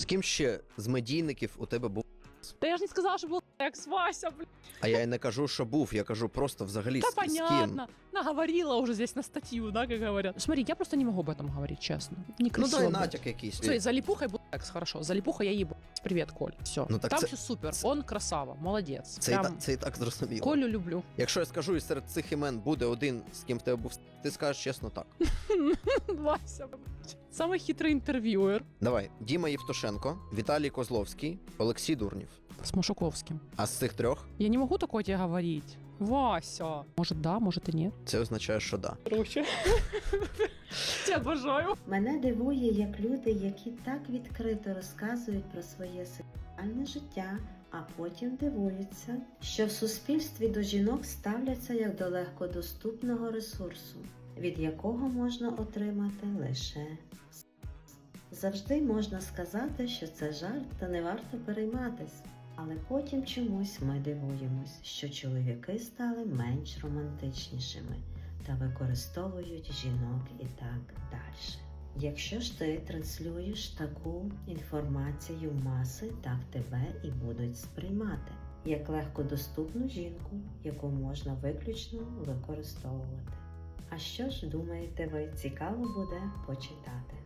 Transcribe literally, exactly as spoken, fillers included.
ким ще з медійників у тебе був? Та я ж не сказала, що був секс, Вася, блядь. А я й не кажу, що був, я кажу просто взагалі Да з, з ким. понятно. Наговорила уже здесь на статью, да, как говорят. Смотри, я просто не могу об этом говорить, честно. Некрасиво. Ну дай будет. натяк якийсь. Все, за липухой был секс, хорошо. За липухой я ебу. Привет, Коль. Все. Ну, так Там це- все супер. Он красава, молодец. Це, і Прям та, це і так зрозуміло. Колю люблю. Якщо я скажу, і серед цих імен буде один, з ким в тебе був, ти скажеш чесно так. Вася, блядь. Самый хитрый интервьюер. Давай, Діма Євтушенко, Віталій Козловський, Олексій Дурнів. С Машуковским. А з цих трьох Я не могу такое тебе говорить. Вася. Может да, может и нет. це означає, що да. Короче. Тебя обожаю. Мене дивує, як люди, які так відкрито розказують про своє сексуальне життя, а потім дивуються, що в суспільстві до жінок ставляться як до легкодоступного ресурсу, від якого можна отримати лише секс. Завжди можна сказати, що це жарт та не варто перейматись. Але потім чомусь ми дивуємось, що чоловіки стали менш романтичнішими та використовують жінок і так далі. Якщо ж ти транслюєш таку інформацію в маси, так тебе і будуть сприймати як легкодоступну жінку, яку можна виключно використовувати. А що ж думаєте ви, цікаво буде почитати?